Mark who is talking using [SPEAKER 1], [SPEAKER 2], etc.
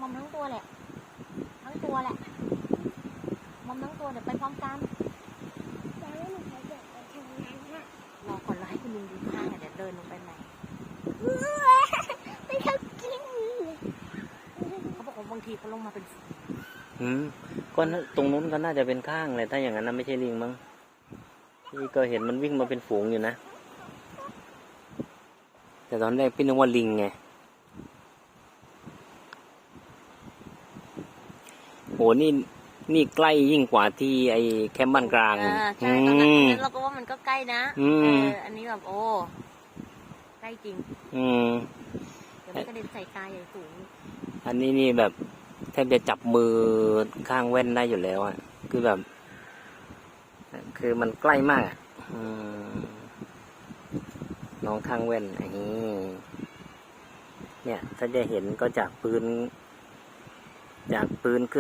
[SPEAKER 1] อมทั้งตัวแหละทั้งตัวแหละมอมทั้งตัวเดี๋ยวไปพร้อมกันยังไม่มีใครเดินไปทางนั้นฮะรอก่อนเราให้คุณลุงดูข้างเดี๋ยวเดินลงไปใหม่ไม่เขากินเขาบอกว่าบางทีเขาลงมาเป็น
[SPEAKER 2] ก็ตรงนู้นก็น่าจะเป็นข้างเลยถ้าอย่างนั้นนะไม่ใช่ลิงมั้งพี่ก็เห็นมันวิ่งมาเป็นฝูงอยู่นะแต่ตอนแรกพี่นึกว่าลิงไงโหนี่ใกล้ยิ่งกว่าที่ไอ้แคมป์บ้านกลาง
[SPEAKER 1] ใช่ตอนนั้นเราก็ว่ามันก็ใกล้นะอันนี้แบบโอ้ใกล้จริงเดี๋ยวมันกระเด็นใส่ตาใหญ่สูง
[SPEAKER 2] อันนี้นี่แบบแทบจะจับมือข้างแว่นได้อยู่แล้วอ่ะคือมันใกล้มากน้องข้างแว่นอันนี้เนี่ยถ้าจะเห็นก็จากปืนขึ้น